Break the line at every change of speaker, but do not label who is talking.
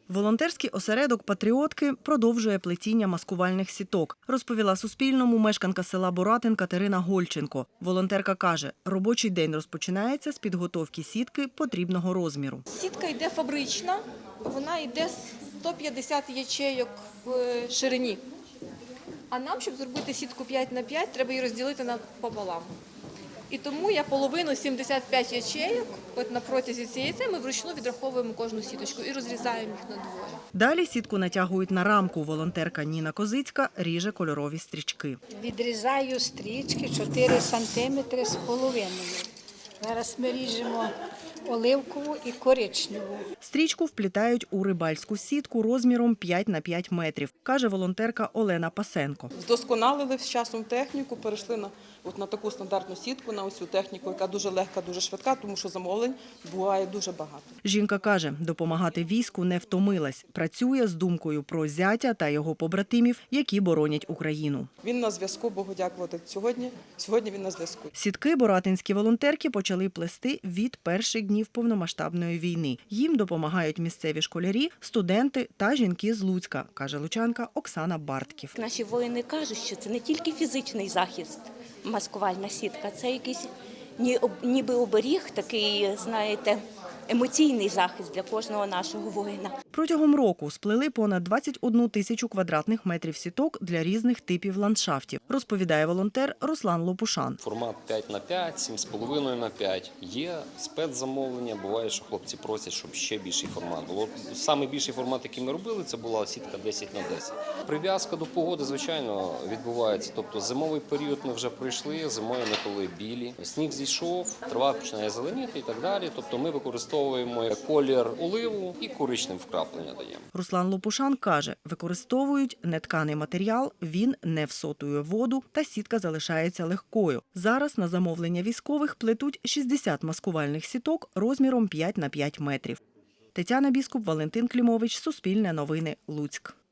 Волонтерський осередок «Патріотки» продовжує плетіння маскувальних сіток, розповіла Суспільному мешканка села Боратин Катерина Гольченко. Волонтерка каже, робочий день розпочинається з підготовки сітки потрібного розміру.
Сітка йде фабрична, вона йде 150 ячейок в ширині. А нам, щоб зробити сітку 5х5, треба її розділити пополам. І тому я половину 75 ячейок, от на протязі цієї ми вручну відраховуємо кожну сіточку і розрізаємо їх на двоє.
Далі сітку натягують на рамку. Волонтерка Ніна Козицька ріже кольорові стрічки.
Відрізаю стрічки 4 сантиметри з половиною. Зараз ми ріжемо оливкову і коричневу.
Стрічку вплітають у рибальську сітку розміром 5 на 5 метрів, каже волонтерка Олена Пасенко.
Вдосконалили з часом техніку, перейшли на таку стандартну сітку, на ось цю техніку, яка дуже легка, дуже швидка, тому що замовлень буває дуже багато.
Жінка каже, допомагати війську не втомилась. Працює з думкою про зятя та його побратимів, які боронять Україну.
Він на зв'язку, Богу дякувати, сьогодні він на зв'язку.
Сітки боратинські волонтерки почали плести від перших днів повномасштабної війни. Їм допомагають місцеві школярі, студенти та жінки з Луцька, каже лучанка Оксана Бартків.
Наші воїни кажуть, що це не тільки фізичний захист, маскувальна сітка, це якийсь ніби оберіг, такий, знаєте, емоційний захист для кожного нашого воїна.
Протягом року сплели понад 21 тисячу квадратних метрів сіток для різних типів ландшафтів, розповідає волонтер Руслан Лопушан.
Формат 5х5, 7,5х5. Є спецзамовлення, буває, що хлопці просять, щоб ще більший формат було. Самий більший формат, який ми робили, це була сітка 10х10. Прив'язка до погоди, звичайно, відбувається. Тобто зимовий період ми вже пройшли, зимою ми коли білі. Сніг зійшов, трава починає зеленіти і так далі. Тобто ми використовуємо колір оливу і коричневе вкраплення даємо.
Руслан Лопушан каже, використовують нетканий матеріал, він не всотує воду та сітка залишається легкою. Зараз на замовлення військових плетуть 60 маскувальних сіток розміром 5 на 5 метрів. Тетяна Біскуп, Валентин Клімович, Суспільне новини, Луцьк.